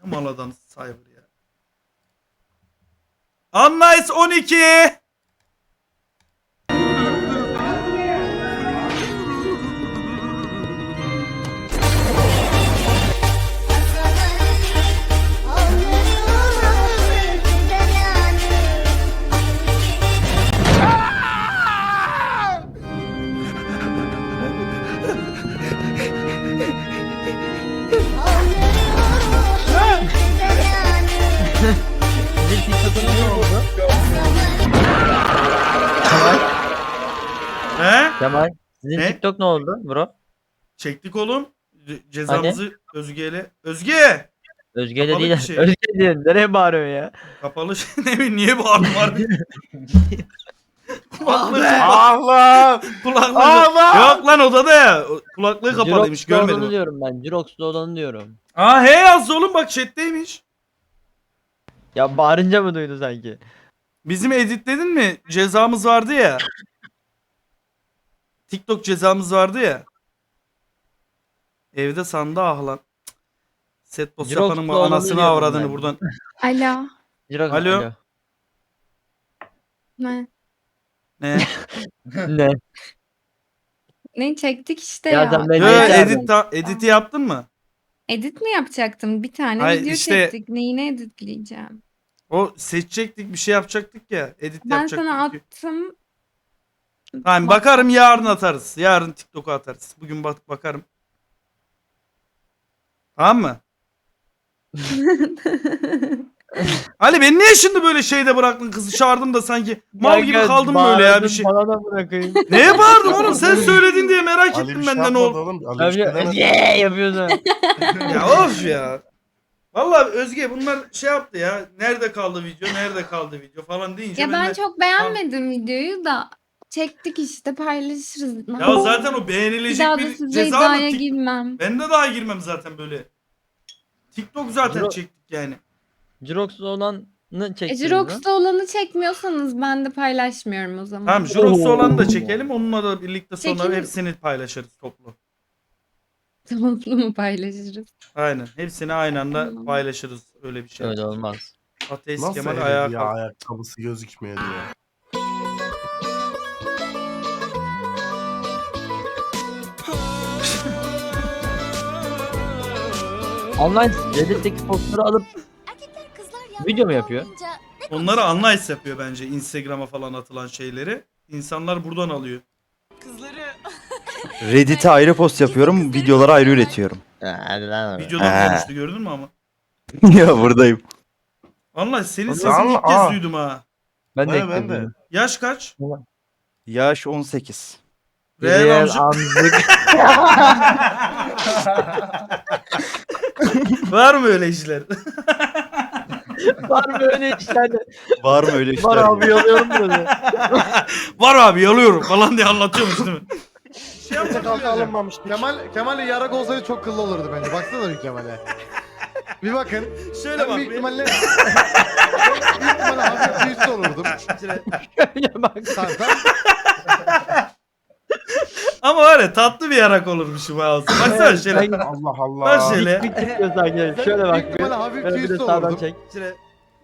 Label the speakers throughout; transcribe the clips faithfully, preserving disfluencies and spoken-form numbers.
Speaker 1: Ne mal adam Cyber ya. Unnice on iki.
Speaker 2: Sizin TikTok'unuz ne oldu?
Speaker 1: He?
Speaker 2: Kemal. Sizin
Speaker 1: Ne?
Speaker 2: TikTok ne oldu bro?
Speaker 1: Çektik oğlum. Ce- Cezamızı Özge'yle. Özge!
Speaker 2: Özge'yle
Speaker 1: Kapalı
Speaker 2: değil.
Speaker 1: bir şey.
Speaker 2: Özge diyor. Nereye bağırıyorsun ya?
Speaker 1: Kapalı şey ne bileyim niye bağırdın harbi? Kulaklığı kapat.
Speaker 3: Allah!
Speaker 1: Kulaklığı
Speaker 3: Allah!
Speaker 1: Yok lan odada ya. O- Kulaklığı kapalıymış
Speaker 2: Jirox'ta olanı
Speaker 1: görmedim.
Speaker 2: diyorum ben. Jirox'ta olanı diyorum.
Speaker 1: Aa he yazdı oğlum bak chatteymiş.
Speaker 2: Ya bağırınca mı duydu sanki?
Speaker 1: Bizim editledin mi? Cezamız vardı ya. TikTok cezamız vardı ya. Evde sandı ah lan. Set boss
Speaker 2: Jirox
Speaker 1: yapanın
Speaker 2: olanı
Speaker 1: anasını
Speaker 2: diyorum
Speaker 1: avradını
Speaker 2: ben.
Speaker 1: buradan.
Speaker 4: Alo.
Speaker 2: Jirox
Speaker 1: Alo.
Speaker 2: alo.
Speaker 4: Ne?
Speaker 1: Ne?
Speaker 2: Ne?
Speaker 4: Ne çektik işte
Speaker 2: Ya
Speaker 4: ya.
Speaker 2: sen beni
Speaker 1: Yo,
Speaker 2: Ne çağırdın?
Speaker 1: edit ta- editi yaptın mı?
Speaker 4: Edit mi yapacaktım? Bir tane
Speaker 1: Hayır,
Speaker 4: video
Speaker 1: işte-
Speaker 4: çektik. Neyini editleyeceğim?
Speaker 1: O seçecektik bir şey yapacaktık ya. Edit
Speaker 4: Ben
Speaker 1: yapacaktık.
Speaker 4: sana
Speaker 1: ki.
Speaker 4: attım.
Speaker 1: Tamam bakarım yarın atarız. Yarın TikTok'a atarız. Bugün bak bakarım. Tamam mı? Ali beni niye şimdi böyle şeyde bıraktın kızı çağırdım da sanki mal gibi
Speaker 2: Kanka,
Speaker 1: kaldım böyle ya bir
Speaker 2: bağırdın,
Speaker 1: şey.
Speaker 2: Bana da bırakayım.
Speaker 1: Neye bağırdım oğlum sen söyledin diye merak
Speaker 3: Ali bir
Speaker 1: ettim
Speaker 3: şey
Speaker 1: benden ne
Speaker 3: yapmadı
Speaker 1: oldu.
Speaker 3: oğlum. Ali bir şey
Speaker 2: Tabii
Speaker 3: demedi.
Speaker 2: yeah yapıyorsun.
Speaker 1: Ya of ya. Vallahi Özge bunlar şey yaptı ya. Nerede kaldı video? Nerede kaldı video falan deyince
Speaker 4: Ya ben
Speaker 1: de-
Speaker 4: çok beğenmedim videoyu da. Çektik işte paylaşırız.
Speaker 1: Ya zaten o
Speaker 4: bir
Speaker 1: beğenilecek
Speaker 4: daha da
Speaker 1: bir
Speaker 4: size
Speaker 1: ceza mı?
Speaker 4: iddiaya
Speaker 1: Tik-
Speaker 4: girmem.
Speaker 1: Ben de daha girmem zaten böyle. TikTok zaten
Speaker 2: Bro-
Speaker 1: çektik yani.
Speaker 2: Jirox'ta olanı
Speaker 4: E,
Speaker 2: çektiniz mi?
Speaker 4: Jirox'ta olanı çekmiyorsanız ben de paylaşmıyorum o zaman.
Speaker 1: Tamam Jirox'u
Speaker 2: Oo.
Speaker 1: olanı da çekelim. Onunla da birlikte sonra
Speaker 4: Çekin.
Speaker 1: hepsini paylaşırız toplu.
Speaker 4: Toplu mu paylaşırız?
Speaker 1: Aynen. Hepsini aynı anda
Speaker 4: Tamam.
Speaker 1: paylaşırız. Öyle bir şey.
Speaker 2: Öyle olmaz.
Speaker 1: Ateist
Speaker 3: Nasıl
Speaker 1: Kemal
Speaker 3: Kemal
Speaker 1: ayağa
Speaker 3: ya
Speaker 1: kalk.
Speaker 3: ayakkabısı gözükmüyor diye.
Speaker 2: Online Reddit'teki postları alıp video mu yapıyor?
Speaker 1: Onları Unlice yapıyor bence Instagram'a falan atılan şeyleri. İnsanlar buradan alıyor.
Speaker 5: Reddit'e ayrı post yapıyorum, videoları ayrı üretiyorum.
Speaker 2: Hadi lan.
Speaker 1: Videodan
Speaker 5: He.
Speaker 1: konuştu gördün mü ama?
Speaker 5: Ya buradayım.
Speaker 1: Unlice senin
Speaker 3: Ama-
Speaker 1: sesini ilk kez
Speaker 3: Aa.
Speaker 1: duydum ha.
Speaker 2: Ben de
Speaker 3: Evet, ben de.
Speaker 2: ekledim.
Speaker 1: Yaş kaç?
Speaker 5: Yaş on sekiz.
Speaker 1: Real
Speaker 2: Real
Speaker 1: amca-
Speaker 2: amcık.
Speaker 1: Var mı öyle işler?
Speaker 2: Var mı öyle işler?
Speaker 5: Var mı öyle işler?
Speaker 2: Var abi yalıyorum böyle.
Speaker 1: Var abi yalıyorum falan diye anlatıyormuş değil mi? Şey
Speaker 6: Kimse kalka alınmamış. Kemal, Kemal yarak olsaydı çok kıllı olurdu bence. Baksana bir Kemal'e. Bir bakın.
Speaker 1: Şöyle
Speaker 6: Ben
Speaker 1: bak.
Speaker 6: büyük
Speaker 1: bir-
Speaker 6: ihtimalle... büyük ihtimalle hafif bir üst olurdum.
Speaker 2: Öyle bak.
Speaker 6: Tamam tamam.
Speaker 1: Ama var ya tatlı bir yarak olurmuşum ha olsun. Baksana şöyle.
Speaker 2: Ben-
Speaker 3: Allah Allah.
Speaker 1: Bak şöyle.
Speaker 2: Bir çıkıyor sanki. Şöyle
Speaker 6: Büyük
Speaker 2: bak. bir.
Speaker 6: ihtimalle hafif
Speaker 2: Böyle
Speaker 6: bir
Speaker 2: bir de
Speaker 6: üst
Speaker 2: sağdan
Speaker 6: olurdum.
Speaker 2: çek.
Speaker 1: şöyle.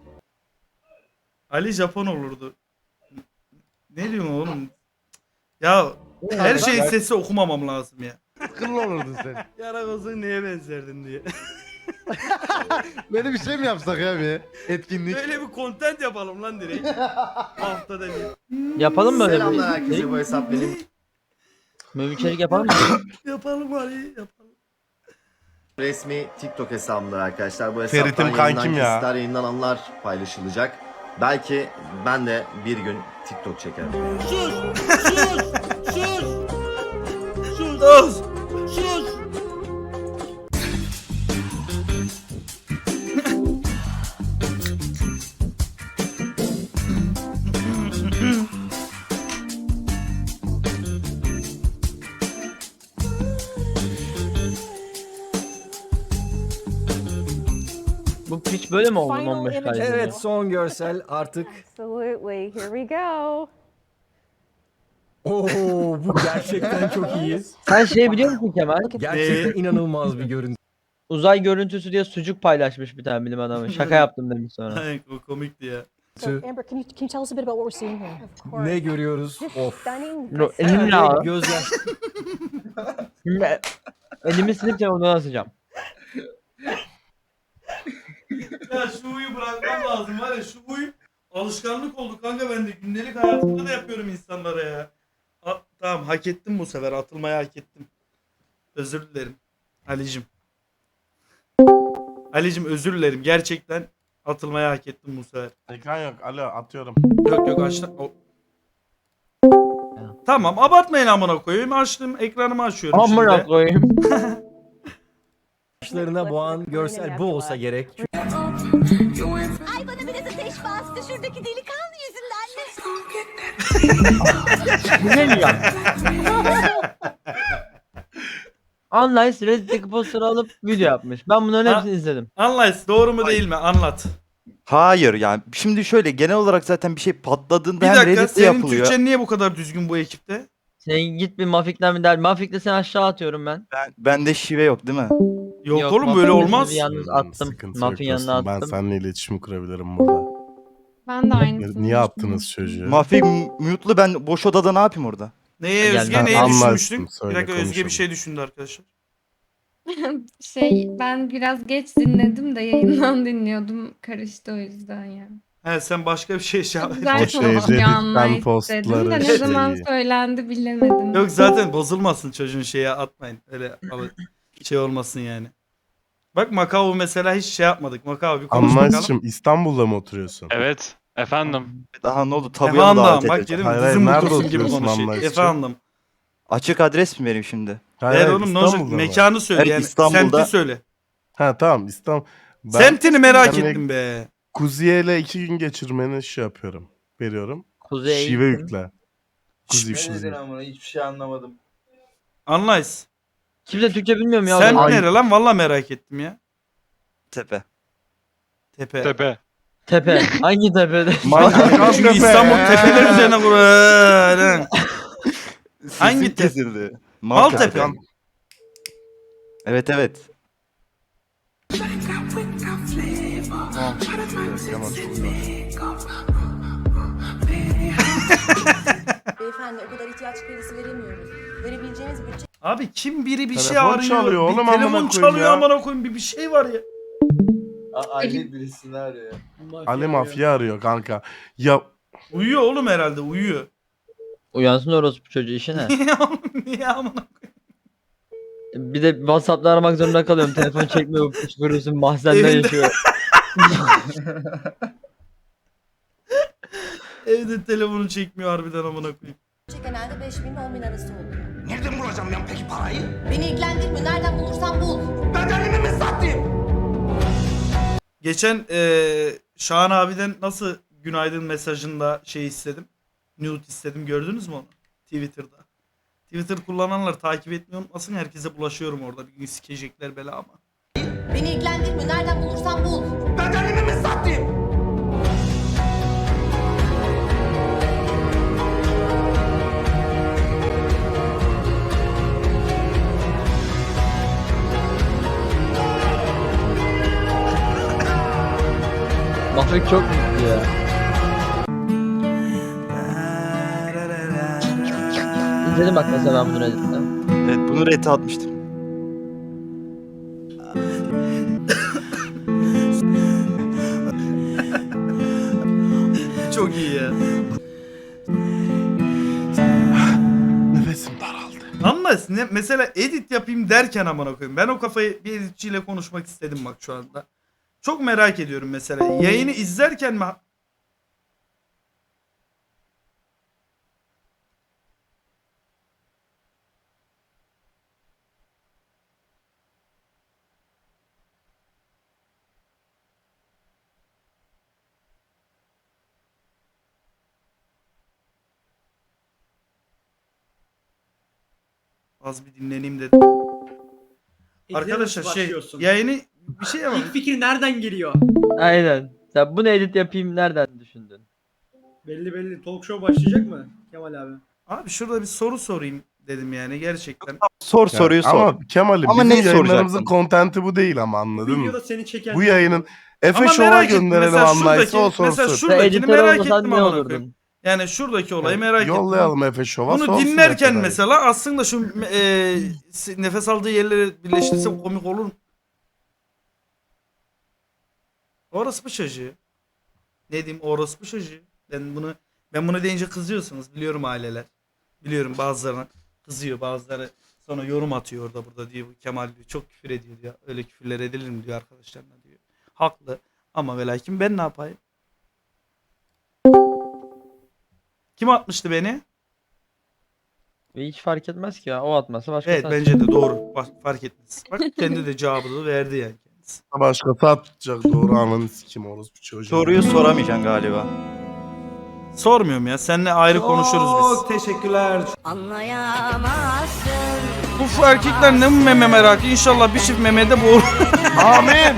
Speaker 1: Ali Japon olurdu. Ne diyorsun oğlum? Ya her şeyin sesi okumamam lazım ya.
Speaker 6: Kıllı olurdun sen.
Speaker 1: Yarak olsun neye benzerdin diye.
Speaker 6: Böyle bir şey mi yapsak ya bir etkinlik?
Speaker 1: Böyle bir content yapalım lan direkt. Haftada bir.
Speaker 2: Yapalım mı öyle bir
Speaker 7: Selamlar herkese,
Speaker 2: içerik?
Speaker 7: bu hesap benim.
Speaker 2: Böyle bir içerik yapalım mı?
Speaker 1: Yapalım Ali yapalım.
Speaker 7: Resmi TikTok hesabımdır arkadaşlar. Bu
Speaker 3: Ferit'im
Speaker 7: hesaptan
Speaker 3: kankim
Speaker 7: yayınlanan
Speaker 3: ya.
Speaker 7: kesitler, yayınlananlar paylaşılacak. Belki ben de bir gün TikTok çekerim.
Speaker 1: Sus.
Speaker 2: Bu piç böyle mi oldu on beş kaydında?
Speaker 8: Evet, son görsel artık.
Speaker 9: Absolutely. Here we go.
Speaker 8: Oo, bu gerçekten çok iyi.
Speaker 2: Sen şey biliyor musun Kemal?
Speaker 8: Gerçekten inanılmaz bir görüntü.
Speaker 2: uzay görüntüsü diye sucuk paylaşmış bir tane bilim adamı. Şaka yaptım demiş sonra.
Speaker 1: O komikti ya.
Speaker 9: So, Amber, can you, can you tell us a bit about what we're seeing here? Of course.
Speaker 8: Ne görüyoruz?
Speaker 9: This
Speaker 8: Of.
Speaker 9: stunning.
Speaker 2: No,
Speaker 9: this
Speaker 2: elimle al.
Speaker 8: Gözyaş.
Speaker 2: Şimdi elimi silip telefonuna asacağım.
Speaker 1: Ya şu huyu bırakmam lazım var ya, şu huy alışkanlık oldu kanka bende. Gündelik hayatımda da yapıyorum insanlara ya. A- tamam, hak ettim bu sefer, atılmayı hak ettim. Özür dilerim Ali'cim. Ali'cim özür dilerim, gerçekten atılmayı hak ettim bu sefer.
Speaker 3: Ekran yok. Alo atıyorum.
Speaker 1: Yok yok açtım. O- Tamam, abartmayın amına koyayım. Açtım, ekranımı açıyorum
Speaker 2: Amına
Speaker 1: şimdi.
Speaker 2: koyayım.
Speaker 8: Başlarına boğan görsel bu olsa gerek.
Speaker 9: Ay bana biraz ateş bastı şuradaki delikanlı yüzünden.
Speaker 2: Bu ne diyeceğim? Unlice Reddit'teki posteri alıp video yapmış. Ben bunların
Speaker 1: Ha-
Speaker 2: hepsini izledim.
Speaker 1: Anlays doğru mu değil mi? Anlat.
Speaker 5: Hayır yani şimdi şöyle genel olarak zaten bir şey patladığında
Speaker 1: Bir
Speaker 5: hem
Speaker 1: dakika,
Speaker 5: Reddit'te
Speaker 1: senin
Speaker 5: yapılıyor.
Speaker 1: Türkçen niye bu kadar düzgün bu ekipte?
Speaker 2: Sen git bir Mafik'ten bir der. Mafik'te seni aşağı atıyorum ben.
Speaker 5: Ben, bende şive yok değil mi?
Speaker 1: Yok,
Speaker 2: Yok,
Speaker 1: oğlum böyle
Speaker 2: Mafik'te
Speaker 1: olmaz.
Speaker 2: sizi Yalnız
Speaker 3: Hmm,
Speaker 2: attım.
Speaker 3: sıkıntı yok
Speaker 2: Mafin yanına
Speaker 3: dostum. Ben
Speaker 2: attım.
Speaker 3: seninle iletişim kurabilirim burada.
Speaker 4: Ben de aynısını
Speaker 3: Niye attınız çocuğu?
Speaker 5: Mafik mute'lu, ben boş odada ne yapayım orada?
Speaker 1: Neye
Speaker 2: Gel,
Speaker 1: Özge
Speaker 2: ben
Speaker 1: neye
Speaker 3: anlarsın,
Speaker 1: düşünmüştük? Bir
Speaker 3: söyle,
Speaker 1: dakika, Özge bir
Speaker 3: konuşalım.
Speaker 1: şey düşündü arkadaşlar.
Speaker 4: Şey, ben biraz geç dinledim de yayından dinliyordum. Karıştı o yüzden ya.
Speaker 1: He, sen başka bir şey şey
Speaker 4: Çok
Speaker 3: O
Speaker 4: güzel
Speaker 3: şey,
Speaker 4: konuşuyor
Speaker 3: Reddit'ten
Speaker 4: anlayış dedim de
Speaker 3: postları
Speaker 4: ne
Speaker 3: şey.
Speaker 4: zaman söylendi bilemedim.
Speaker 1: Yok zaten bozulmasın çocuğun, şeye atmayın. Öyle al- şey olmasın yani. Bak Macao mesela hiç şey yapmadık. Macao bir konuş bakalım.
Speaker 3: Anlaşım İstanbul'da mı oturuyorsun?
Speaker 10: Evet. Efendim.
Speaker 5: Daha ne oldu? Tabuya mı
Speaker 1: Efendim
Speaker 5: davet
Speaker 1: bak
Speaker 5: edeceğim?
Speaker 1: dedim
Speaker 3: Hayır, hayır,
Speaker 1: dizim
Speaker 3: nerede
Speaker 1: kutusu gibi
Speaker 3: oturuyorsun
Speaker 1: konuşuyor.
Speaker 3: Anlaşım?
Speaker 1: Efendim.
Speaker 5: Açık adres mi vereyim şimdi?
Speaker 3: Hayır,
Speaker 1: Ver
Speaker 3: hayır,
Speaker 1: oğlum ne olacak?
Speaker 3: İstanbul'da mı?
Speaker 1: Mekanı söyle
Speaker 5: Evet,
Speaker 1: yani.
Speaker 5: İstanbul'da-
Speaker 1: Semti söyle.
Speaker 3: Ha tamam İstanbul. Ben
Speaker 1: Semtini merak
Speaker 3: seninle
Speaker 1: ettim be.
Speaker 3: Kuziye'yle iki gün geçirmeni şey yapıyorum. Veriyorum.
Speaker 2: Kuzey.
Speaker 3: Şive yükle. Kuzi şive.
Speaker 11: Hiçbir şey anlamadım.
Speaker 1: Anlays.
Speaker 2: Kimse Türkçe bilmiyor mu ya?
Speaker 1: Semt
Speaker 2: Ay-
Speaker 1: nere lan? Valla merak ettim ya.
Speaker 5: Tepe.
Speaker 1: Tepe.
Speaker 10: Tepe.
Speaker 2: Tepe. Hangi tepede?
Speaker 1: Çünkü İstanbul tepeler üzerine kurulu. Hangi
Speaker 5: Sesim
Speaker 1: tepe?
Speaker 5: kesildi.
Speaker 1: Maltepe.
Speaker 3: Maltepe.
Speaker 5: Evet evet.
Speaker 9: Beyefendi o kadar ihtiyaç kredisi veremiyoruz. Verebileceğimiz bütçe
Speaker 1: Abi kim biri bir şey
Speaker 3: Telefon
Speaker 1: arıyor.
Speaker 3: çalıyor
Speaker 1: bir
Speaker 3: oğlum, amına
Speaker 1: telefon
Speaker 3: koyayım
Speaker 1: çalıyor
Speaker 3: ya.
Speaker 1: amına koyayım, bir bir şey var ya.
Speaker 11: Ali birisini arıyor.
Speaker 3: Ali Mafya arıyor kanka. Ya
Speaker 1: Uyuyor oğlum herhalde, uyuyor.
Speaker 2: Uyansın orospu çocuğu işi ne?
Speaker 1: Niye oğlum, niye amına koyayım?
Speaker 2: Bir de WhatsApp'ta aramak zorunda kalıyorum. Telefon çekmiyor. Püskürürsün mahzende
Speaker 1: Evinde-
Speaker 2: yaşıyor.
Speaker 1: Evde telefonu çekmiyor harbiden amına koyayım.
Speaker 9: genelde beş bin ile on bin arası oluyor. Nereden bulacağım ben peki parayı? Beni ilgilendirmiyor. Nereden bulursan bul.
Speaker 1: Geçen eee Şahan abiden nasıl günaydın mesajında şey istedim. Nude istedim, gördünüz mü onu? Twitter'da. Twitter kullananlar takip etmeyi unutmasın, herkese bulaşıyorum orada. Bir gün sikecekler bela ama.
Speaker 9: Beni ilgilendirmiyor. Nereden bulursan bul.
Speaker 2: Mafik çok mutlu ya. İzledim bak mesela ben bunu Reddit'te.
Speaker 5: Evet bunu rete atmıştım.
Speaker 1: Çok iyi ya.
Speaker 3: nefesim daraldı.
Speaker 1: Ama ne, mesela edit yapayım derken amına koyayım. Ben o kafayı bir editçiyle konuşmak istedim bak şu anda. Çok merak ediyorum mesela. Yayını izlerken mi? Az bir dinleneyim dedim. Arkadaşlar şey yayını bir şey yapalım.
Speaker 11: fikir nereden geliyor?
Speaker 2: Aynen. Sen bunu edit yapayım nereden düşündün?
Speaker 11: Belli belli. Talk show başlayacak mı Kemal abi?
Speaker 1: Abi şurada bir soru sorayım dedim yani gerçekten.
Speaker 5: Sor soruyu sor.
Speaker 3: Ama Kemal'im
Speaker 5: Ama
Speaker 3: bizim
Speaker 5: neyi
Speaker 3: yayınlarımızın
Speaker 5: soracaktın?
Speaker 3: kontenti bu değil ama anladın mı?
Speaker 11: seni çeken
Speaker 3: Bu yayının Efe
Speaker 1: Ama
Speaker 3: Show'a
Speaker 1: merak ettim.
Speaker 3: gönderelim
Speaker 1: Mesela
Speaker 3: anlaysa o
Speaker 1: şuradaki, mesela
Speaker 3: sorsun.
Speaker 2: Ve
Speaker 1: şuradakini
Speaker 2: editör
Speaker 1: merak
Speaker 2: olmasan
Speaker 1: ettim
Speaker 2: ne
Speaker 1: amına koyayım.
Speaker 2: olurdun?
Speaker 1: Yani şuradaki olayı merak ettim.
Speaker 3: Yollayalım Efe Show'a
Speaker 1: Bunu
Speaker 3: sorsun
Speaker 1: dinlerken
Speaker 3: Efe dayı.
Speaker 1: mesela aslında şu e, nefes aldığı yerleri birleştirsem komik olur mu? Orospu çocuğu. Ne diyeyim orospu çocuğu. Ben bunu ben bunu deyince kızıyorsunuz biliyorum aileler. Biliyorum bazılarına kızıyor, bazıları sonra yorum atıyor orada burada diyor. Kemal diyor çok küfür ediyor diyor. Öyle küfürler edilir mi diyor arkadaşlarına diyor. Haklı ama ve lakin ben ne yapayım? Kim atmıştı beni?
Speaker 2: Hiç fark etmez ki ya. O atmasa başka
Speaker 1: Evet bence de doğru. Bak, fark etmez. Bak kendi de cevabını verdi yani kendisi.
Speaker 3: Başkası atacak doğru ananı sikim orospu çocuğu.
Speaker 5: Soruyu soramayacaksın galiba.
Speaker 1: Sormuyorum ya. Seninle ayrı konuşuruz biz.
Speaker 11: teşekkürler.
Speaker 9: Anlayamazsın.
Speaker 1: Bu erkekler ne bu meme merakı? İnşallah bir çift memede boğulur.
Speaker 3: Amin.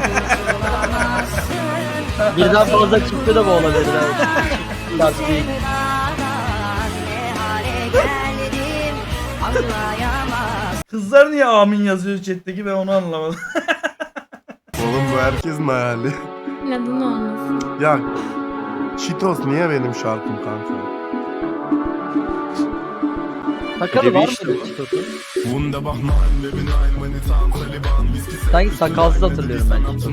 Speaker 2: Birden fazla çıktı da bu olabilir. Lastik.
Speaker 9: Ne hale geldim anlayamazsın.
Speaker 1: Kızlar niye amin yazıyor chat'teki ben onu anlamadım.
Speaker 3: Oğlum bu herkesin hayali.
Speaker 4: Neden olmasın?
Speaker 3: Ya Cheetos niye benim şarkım kanka?
Speaker 2: Sakalı var
Speaker 5: işte
Speaker 2: mıydı Çitos'un? Sanki sakalsız hatırlıyorum ben Çitos'u.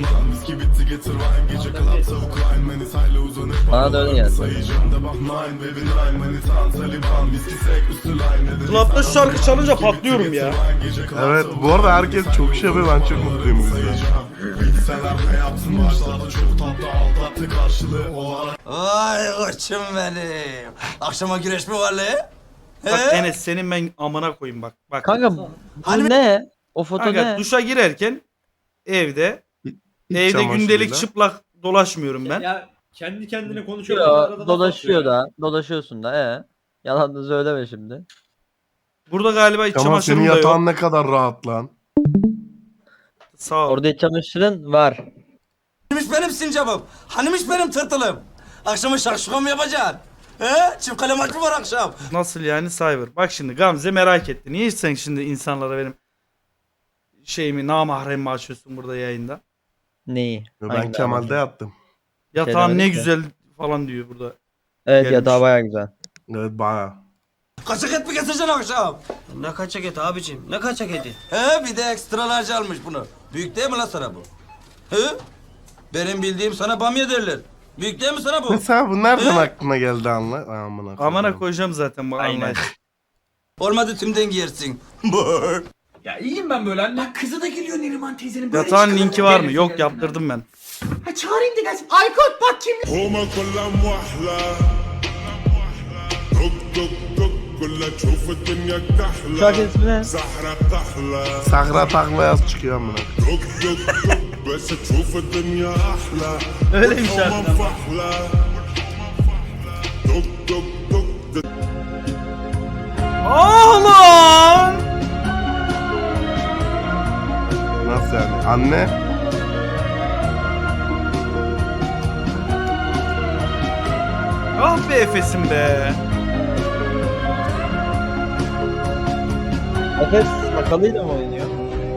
Speaker 2: Bana da öyle geldi.
Speaker 1: Club'da şu şarkı çalınca patlıyorum ya.
Speaker 3: Evet bu arada herkes çok şey yapıyor ben çok mutluyum bu yüzden.
Speaker 11: Ay koçum benim. Akşama güreş mi var le?
Speaker 1: Bak Enes senin ben amına koyayım bak. Bak.
Speaker 2: Kanka bu ne? O foto
Speaker 1: Kanka,
Speaker 2: ne?
Speaker 1: duşa girerken evde
Speaker 3: İç
Speaker 1: evde gündelik
Speaker 3: çamaşırıyla.
Speaker 1: çıplak dolaşmıyorum ben.
Speaker 11: Ya kendi kendine konuşuyor.
Speaker 2: Yo, dolaşıyor da. Dolaşıyorsun da ee. Yalan da söyleme şimdi.
Speaker 1: Burada galiba iç
Speaker 3: Ama senin
Speaker 1: çamaşırım da yok.
Speaker 3: yatağın ne kadar rahat lan.
Speaker 1: Sağ ol.
Speaker 2: Orada iç çamaşırın var.
Speaker 11: Hanimiş benim sincapım. Hanimiş benim tırtılım. Akşama şakşuka mı yapacaksın? He? Çift kale maç mı var akşam?
Speaker 1: Nasıl yani Cyber? Bak şimdi Gamze merak etti. Niye sen şimdi insanlara benim şeyimi namahremimi açıyorsun burada yayında?
Speaker 2: Neyi?
Speaker 3: Ben
Speaker 2: Hangi
Speaker 3: Kemal'de
Speaker 2: damat?
Speaker 3: yattım.
Speaker 1: Yatağın ne
Speaker 2: demedik ki.
Speaker 1: güzel falan diyor burada.
Speaker 2: Evet
Speaker 1: Gelmiş.
Speaker 2: yatağı baya güzel.
Speaker 3: Evet baya.
Speaker 11: Kaçak et mi getireceksin akşam?
Speaker 10: Ne kaçak eti abicim? Ne kaçak eti?
Speaker 11: He bir de ekstra large almış bunu. Büyük değil mi lan sana bu? He? Benim bildiğim sana bamya derler. Büyük değil mi sana bu?
Speaker 3: Mesela bu nereden
Speaker 11: He?
Speaker 3: aklına geldi anla? Ay, amına koyayım.
Speaker 1: Amana koyacağım zaten bu anlayış.
Speaker 11: Olmadı tümden giyersin.
Speaker 10: Ya iyiyim ben böyle anne. Bak kızı da geliyor Neriman teyzenin. Böyle
Speaker 1: Yatağın
Speaker 10: çıkalım.
Speaker 1: linki var mı?
Speaker 10: Gelin,
Speaker 1: Yok
Speaker 10: gelin.
Speaker 1: yaptırdım ben.
Speaker 10: Ha çağırayım da gelsin. Aykut bak kim?
Speaker 2: Şarkı ismi ne?
Speaker 3: Sahra takla yaz çıkıyor amına.
Speaker 1: Öyle bir şarkı. Oğlum!
Speaker 3: Nasıl yani? Anne?
Speaker 1: Ah be Efes'im be.
Speaker 2: Efes sakalıyla mı oynuyor?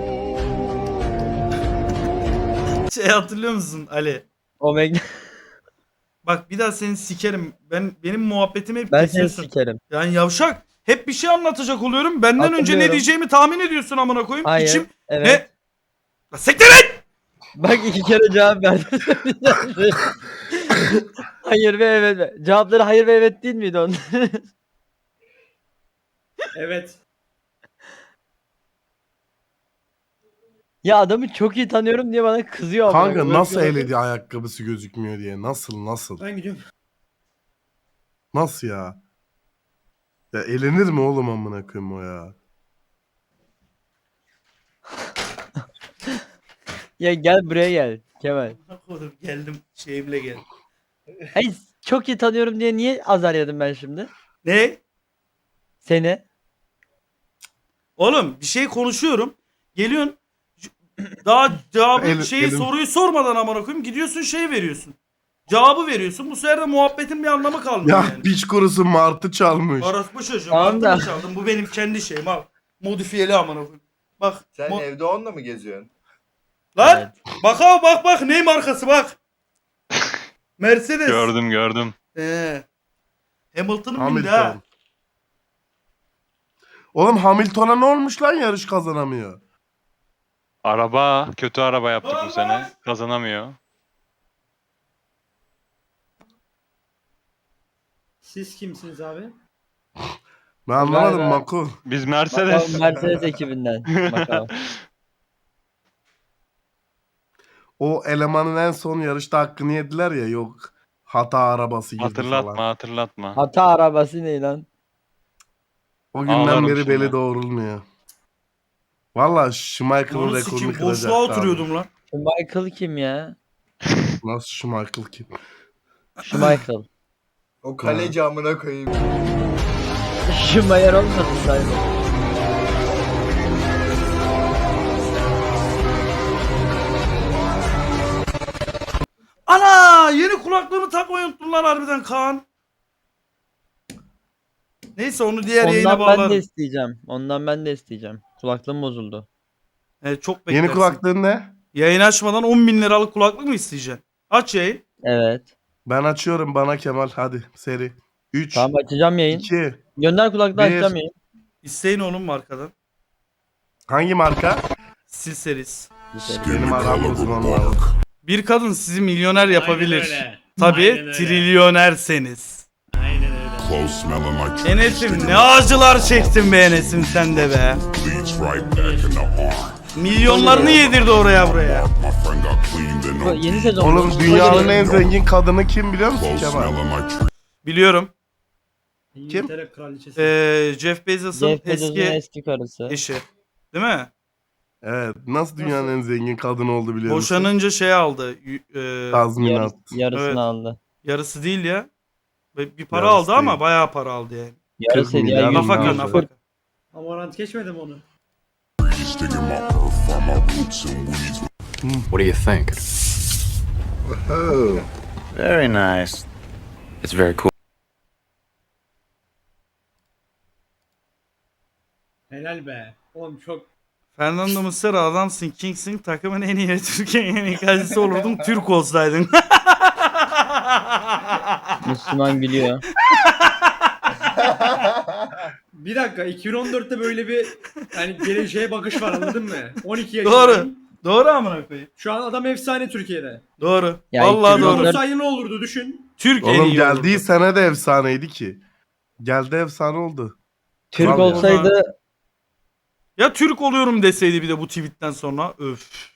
Speaker 1: Şey hatırlıyor musun Ali?
Speaker 2: Omega.
Speaker 1: Bak bir daha seni sikerim. Ben benim muhabbetimi hep
Speaker 2: Ben seni
Speaker 1: kesiyorsun.
Speaker 2: sikerim.
Speaker 1: Yani yavşak. Hep bir şey anlatacak oluyorum. Benden önce ne
Speaker 2: Hatırlıyorum.
Speaker 1: diyeceğimi tahmin ediyorsun amına koyayım.
Speaker 2: Hayır.
Speaker 1: İçim
Speaker 2: Evet.
Speaker 1: ne? La siktir et!
Speaker 2: Bak iki kere cevap verdim. Hayır ve evet. Cevapları hayır ve evet değil miydi onun?
Speaker 11: Evet.
Speaker 2: Ya adamı çok iyi tanıyorum diye bana kızıyor ama.
Speaker 3: Kanka nasıl eledi ayakkabısı gözükmüyor diye. Nasıl nasıl?
Speaker 11: Ben gidiyorum.
Speaker 3: Nasıl ya? Ya elenir mi oğlum amına koyayım o ya?
Speaker 2: Ya gel buraya gel Kemal.
Speaker 1: Oğlum geldim şeyimle geldim.
Speaker 2: Hayır çok iyi tanıyorum diye niye azar yedim ben şimdi?
Speaker 1: Ne?
Speaker 2: Seni.
Speaker 1: Oğlum bir şey konuşuyorum. Geliyorsun. c- Daha cevabı
Speaker 3: El-
Speaker 1: şeyi
Speaker 3: elim-
Speaker 1: soruyu sormadan amına koyayım gidiyorsun şey veriyorsun. Cevabı veriyorsun. Bu sefer de muhabbetin bir anlamı kalmıyor
Speaker 3: Ya
Speaker 1: yani.
Speaker 3: piç kurusu martı çalmış.
Speaker 1: Orospu çocuğum.
Speaker 2: Tamam
Speaker 1: Tamam
Speaker 2: da.
Speaker 1: çaldım. Bu benim kendi şeyim al. Modifiyeli amına koyayım. Bak.
Speaker 7: Sen
Speaker 1: mo-
Speaker 7: evde onunla mı geziyorsun?
Speaker 1: Lan
Speaker 2: Evet.
Speaker 1: bak abi bak bak ney markası bak. Mercedes.
Speaker 10: Gördüm gördüm.
Speaker 1: Ee. Hamilton'ın bindi ha.
Speaker 3: Hamilton. Oğlum Hamilton'a ne olmuş lan yarış kazanamıyor?
Speaker 10: Araba kötü araba yaptık
Speaker 1: Lan
Speaker 10: bu sene.
Speaker 1: lan!
Speaker 10: Kazanamıyor.
Speaker 8: Siz kimsiniz abi?
Speaker 3: Ben anlamadım
Speaker 2: Galiba-
Speaker 3: Mako.
Speaker 10: Biz
Speaker 2: Bakalım
Speaker 10: Mercedes.
Speaker 2: Mercedes ekibinden. Bakalım.
Speaker 3: O elemanın en son yarışta hakkını yediler ya, yok hata arabası girdi
Speaker 10: hatırlatma
Speaker 3: falan.
Speaker 10: hatırlatma.
Speaker 2: Hata arabası ne lan?
Speaker 3: O günden
Speaker 10: Ağlarım
Speaker 3: beri
Speaker 10: şimdi.
Speaker 3: beli doğrulmuyor. Valla Schumacher'ın
Speaker 1: Onu
Speaker 3: rekorunu
Speaker 1: sikeyim.
Speaker 3: kıracak.
Speaker 1: Boşluğa oturuyordum lan.
Speaker 2: Şu Michael kim ya?
Speaker 3: Nasıl Schumacher kim?
Speaker 2: Şu Michael.
Speaker 7: O kaleci amına koyayım.
Speaker 2: Şu Mayer olmasın sayılır.
Speaker 1: Ana yeni kulaklığımı takmayı unuttum lan harbiden Kaan. Neyse onu diğer yayına
Speaker 2: Ondan ben de
Speaker 1: bağlarım.
Speaker 2: isteyeceğim. Ondan ben de isteyeceğim. Kulaklığım bozuldu.
Speaker 1: Evet, çok beklersin.
Speaker 3: Yeni kulaklığın ne?
Speaker 1: Yayın açmadan on bin liralık kulaklık mı isteyeceksin? Aç yayın.
Speaker 2: Evet.
Speaker 3: Ben açıyorum, bana Kemal, hadi seri. üç,
Speaker 2: Tamam açacağım yayın.
Speaker 3: iki,
Speaker 2: Gönder kulaklığı
Speaker 3: Bir.
Speaker 2: açacağım yayın.
Speaker 1: İsteyin oğlum markadan.
Speaker 3: hangi marka?
Speaker 1: Sil seris.
Speaker 3: Benim aram uzmanlar.
Speaker 1: Bir kadın sizi milyoner yapabilir. Tabii trilyonerseniz. Enes'im ne acılar çektin be Enes'im sen de be. Milyonlarını yedirdi oraya buraya.
Speaker 2: Bu yeni sezon.
Speaker 3: Oğlum
Speaker 2: bu.
Speaker 3: dünyanın en zengin kadını kim biliyor musun Kemal?
Speaker 1: Biliyorum.
Speaker 8: İngiltere kraliçesi.
Speaker 1: Ee, Jeff Bezos'un
Speaker 2: Jeff Bezos'un
Speaker 1: eski
Speaker 2: eski karısı.
Speaker 1: eşi. Değil mi?
Speaker 3: Evet, nasıl dünyanın en zengin kadını oldu biliyor musun?
Speaker 1: Boşanınca şey aldı. y- e,
Speaker 3: Tazminat.
Speaker 2: Yarıs, yarısını
Speaker 1: Evet.
Speaker 2: aldı.
Speaker 1: yarısı değil ya. Ve Bir para
Speaker 3: Yarısı
Speaker 1: aldı ama
Speaker 3: değil.
Speaker 1: bayağı para aldı yani.
Speaker 2: Yarısı ya.
Speaker 3: milyar
Speaker 2: yüz-
Speaker 1: Nafaka
Speaker 3: aldı.
Speaker 1: nafaka.
Speaker 8: Amarant geçmedi mi onu?
Speaker 11: What do you think?
Speaker 7: Oh.
Speaker 11: Very nice. It's very cool.
Speaker 8: Helal be. Oğlum çok
Speaker 1: Fernando Muslera adamsın, King'sin, takımın en iyi Türkiye'nin en iyi kalecisi olurdun Türk olsaydın.
Speaker 2: Müslüman gülüyor.
Speaker 8: bir dakika iki bin on dörtte böyle bir yani geleceğe bakış var anladın mı? on iki
Speaker 1: Doğru.
Speaker 8: yaşındayım.
Speaker 1: Doğru amına koyayım.
Speaker 8: Şu an adam efsane Türkiye'de.
Speaker 1: Doğru.
Speaker 2: Ya
Speaker 1: Vallahi
Speaker 2: iki bin on
Speaker 1: doğru.
Speaker 2: dört
Speaker 8: Olsaydı ne olurdu düşün.
Speaker 1: Türk en
Speaker 3: Oğlum
Speaker 1: iyi
Speaker 3: geldiği
Speaker 1: olurdu.
Speaker 3: sene de efsaneydi ki. Geldi efsane oldu.
Speaker 2: Türk
Speaker 3: Kral ya.
Speaker 2: olsaydı
Speaker 1: Ya Türk oluyorum deseydi bir de bu tweetten sonra. Öf.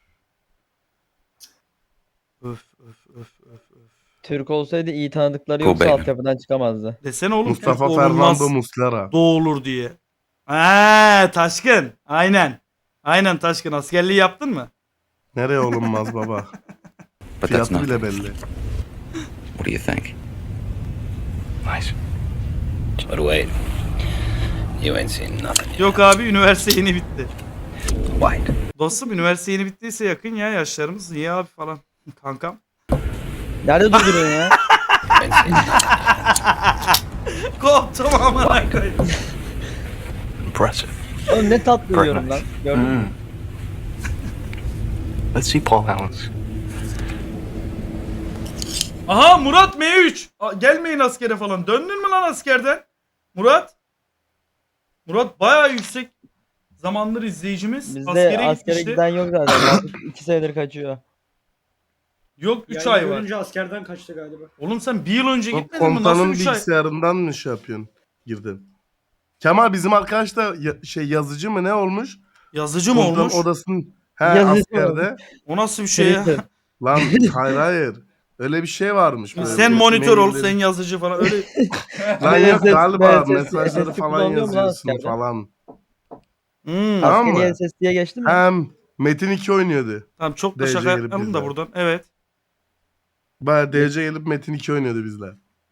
Speaker 1: Öf öf öf öf öf.
Speaker 2: Türk olsaydı iyi tanıdıkları
Speaker 11: Cool
Speaker 2: yoksa
Speaker 11: baby.
Speaker 2: altyapıdan çıkamazdı.
Speaker 1: Desene oğlum
Speaker 3: Mustafa
Speaker 1: Türk
Speaker 3: Fernando
Speaker 1: olunmaz.
Speaker 3: Muslera.
Speaker 1: Doğulur diye. Eee Taşkın. Aynen. Aynen Taşkın. Askerliği yaptın mı?
Speaker 3: Nereye olunmaz baba?
Speaker 11: But that's
Speaker 3: Fiyatı
Speaker 11: not.
Speaker 3: bile belli.
Speaker 11: What do you think? Nice. But wait. You ain't seen nothing.
Speaker 1: Yok abi üniversite yeni bitti.
Speaker 11: White.
Speaker 1: Dostum üniversite yeni bittiyse yakın ya yaşlarımız. Niye abi falan. Kankam.
Speaker 2: Nerede durduruyorsun ya?
Speaker 11: Ain't seen nothing.
Speaker 1: Koptum amına koyayım.
Speaker 11: Impressive.
Speaker 2: Oğlum ne tatlı uyuyorum lan. Gördün mü?
Speaker 11: Mm. Let's see Paul Allen's.
Speaker 1: Aha Murat M üç. Aa, gelmeyin askere falan. Döndün mü lan askerden? Murat. Murat bayağı yüksek zamandır izleyicimiz.
Speaker 2: Bizde
Speaker 1: Askere,
Speaker 2: askere
Speaker 1: gitmişti.
Speaker 2: giden yok zaten. iki senedir kaçıyor.
Speaker 1: Yok üç
Speaker 8: Yani
Speaker 1: ay var.
Speaker 8: görünce askerden kaçtı galiba.
Speaker 1: Oğlum sen bir yıl önce
Speaker 3: O
Speaker 1: gitmedin mi? Nasıl
Speaker 3: komutanın
Speaker 1: üç ay?
Speaker 3: bilgisayarından mı şey yapıyorsun? Girdin. Kemal bizim arkadaş da ya- şey yazıcı mı ne olmuş?
Speaker 1: Yazıcı mı
Speaker 3: Komutanın
Speaker 1: olmuş?
Speaker 3: odasının he
Speaker 2: Yazıcı
Speaker 3: askerde.
Speaker 1: O nasıl bir şey ya?
Speaker 2: Twitter.
Speaker 3: Lan hayır hayır. Öyle bir şey varmış. böyle
Speaker 1: Sen
Speaker 3: bir
Speaker 1: monitör ol,
Speaker 3: mailleri-
Speaker 1: sen yazıcı falan. Öyle
Speaker 3: Lan yok
Speaker 2: S S
Speaker 3: galiba
Speaker 2: S S
Speaker 3: mesajları
Speaker 2: S S
Speaker 3: falan
Speaker 2: kullanıyor mu lan
Speaker 3: yazıyorsun
Speaker 2: askerde?
Speaker 3: falan.
Speaker 1: Hmm.
Speaker 3: Tamam mı?
Speaker 2: Askeri S S D'ye geçti mi?
Speaker 3: Hem Metin iki oynuyordu.
Speaker 1: Tamam çok da
Speaker 3: D C
Speaker 1: şaka
Speaker 3: gelip
Speaker 1: yapmayalım da
Speaker 3: bizden.
Speaker 1: buradan. Evet.
Speaker 3: Baya D C gelip Metin iki oynuyordu bizle.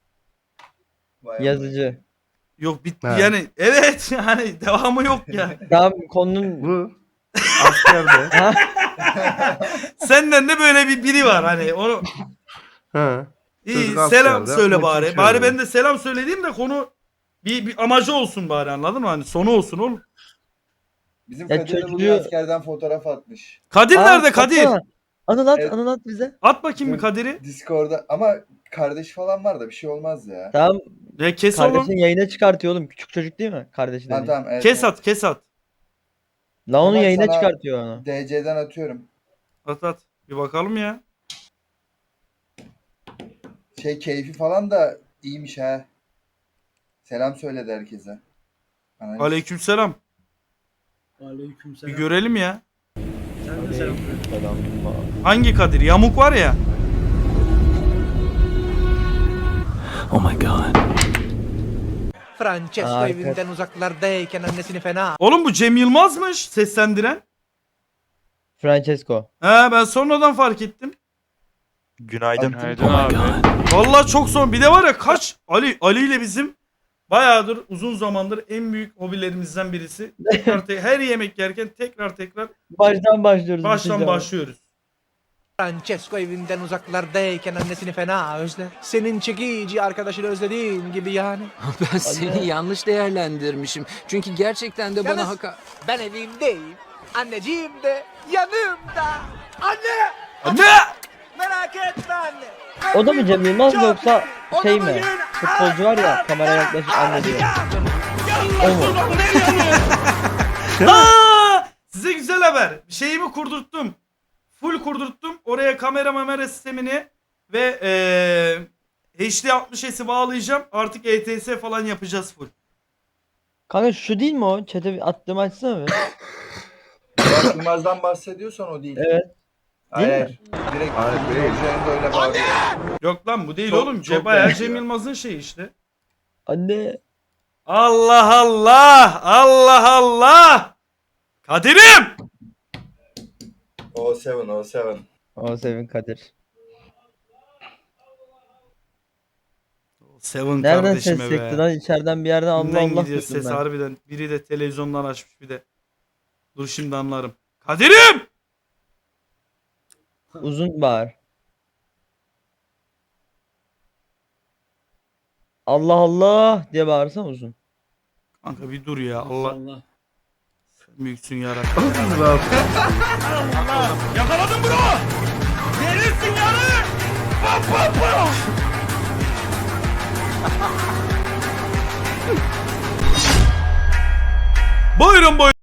Speaker 2: Yazıcı.
Speaker 1: Yok bitti
Speaker 3: He.
Speaker 1: yani. Evet yani devamı yok ya.
Speaker 2: Tamam konunun
Speaker 3: Bu askerde.
Speaker 1: Senden de böyle bir biri var hani onu
Speaker 3: He.
Speaker 1: İyi
Speaker 3: Çocuk
Speaker 1: selam
Speaker 3: askerde,
Speaker 1: söyle
Speaker 3: maçı
Speaker 1: bari.
Speaker 3: içiyor
Speaker 1: Bari
Speaker 3: yani.
Speaker 1: ben de selam söylediğim de konu bir, bir amacı olsun bari, anladın mı? Hani sonu olsun oğlum.
Speaker 2: Bizim Ya Kadir de bugün çocuğu-
Speaker 6: askerden fotoğraf atmış.
Speaker 1: Kadir
Speaker 2: Aa,
Speaker 1: nerede Kadir?
Speaker 2: atsana. Anıl at,
Speaker 6: Evet.
Speaker 2: Anıl at bize.
Speaker 1: At bakayım bir Kadir'i.
Speaker 6: Discord'da ama kardeş falan var da bir şey olmaz ya.
Speaker 2: Tamam,
Speaker 1: Ya kes oğlum.
Speaker 2: kardeşin yayına çıkartıyor oğlum. Küçük çocuk değil mi? Kardeşi dediğin.
Speaker 6: tamam evet.
Speaker 1: Kes at kes at.
Speaker 2: La onu
Speaker 6: Tamam,
Speaker 2: yayına
Speaker 6: sana-
Speaker 2: çıkartıyor onu.
Speaker 6: D C'den atıyorum.
Speaker 1: At at. Bir bakalım ya.
Speaker 6: Şey keyfi falan da iyiymiş ha. Selam söyledi herkese. Analiz.
Speaker 1: Aleykümselam. Bir
Speaker 8: Aleykümselam.
Speaker 1: görelim ya.
Speaker 8: Sen de selam söyle.
Speaker 1: Hangi Kadir? Yamuk var ya.
Speaker 2: Francesco Aa, evinden
Speaker 10: uzaklardayken annesini fena.
Speaker 1: Oğlum bu Cem Yılmaz'mış seslendiren.
Speaker 2: Francesco.
Speaker 1: He ben sonradan fark ettim.
Speaker 5: Günaydın.
Speaker 1: Vallahi çok son. Bir de var ya kaç Ali Ali ile bizim bayağıdır uzun zamandır en büyük hobilerimizden birisi. Tekrar te- her yemek yerken tekrar tekrar
Speaker 2: Baştan başlıyoruz.
Speaker 1: baştan
Speaker 2: bitince.
Speaker 1: başlıyoruz.
Speaker 10: Francesco evinden uzaklardayken annesini fena özler. Senin çekici arkadaşını özlediğin gibi yani.
Speaker 2: Ben seni
Speaker 10: yanlış değerlendirmişim. Çünkü gerçekten de
Speaker 2: bana
Speaker 10: haka... Ben evimdeyim. Anneciğim de yanımda. Anne!
Speaker 1: Anne!
Speaker 10: Merak etme anne.
Speaker 2: O da mı Cem Yılmaz mı yoksa şey mi? Futbolcu var ya kameraya yaklaşık anne diyor. O mu?
Speaker 1: Aa! Size güzel haber. Şeyimi kurdurttum. Full kurdurttum. Oraya kamera mamera sistemini ve eee H D altmış S'i bağlayacağım. Artık E T S falan yapacağız full.
Speaker 2: Kanka şu değil mi o? Chat'e bir attığımı açsana bir.
Speaker 6: Burak Yılmaz'dan bahsediyorsan o değil.
Speaker 2: Evet. Değil
Speaker 6: Hayır.
Speaker 2: mi?
Speaker 6: Direkt
Speaker 3: Hayır, değil.
Speaker 6: üzerinde öyle bağırıyor.
Speaker 1: Yok lan bu değil
Speaker 3: Çok-
Speaker 1: oğlum.
Speaker 3: çok
Speaker 1: Bayağı
Speaker 3: benziyor.
Speaker 1: Cem Yılmaz'ın şeyi işte.
Speaker 2: Anne.
Speaker 1: Allah Allah! Allah Allah! Kadir'im!
Speaker 6: O yedi, o yedi.
Speaker 2: O Sevin Kadir.
Speaker 1: Seven
Speaker 2: Nereden
Speaker 1: kardeşime
Speaker 2: ses
Speaker 1: be.
Speaker 2: çekti lan? İçeriden bir yerden Allah
Speaker 1: Kimden
Speaker 2: Allah
Speaker 1: gidiyor
Speaker 2: duydum
Speaker 1: ses
Speaker 2: ben.
Speaker 1: harbiden. Biri de televizyondan açmış bir de. Dur şimdi anlarım. Kadir'im!
Speaker 2: Uzun bağır. Allah Allah diye bağırsan uzun.
Speaker 1: Kanka bir dur ya. Allah
Speaker 8: Allah.
Speaker 1: sen büyüksün yarabbim.
Speaker 3: Rahat.
Speaker 1: Yakaladım bro! Verirsin yarı! Buyurun buyurun.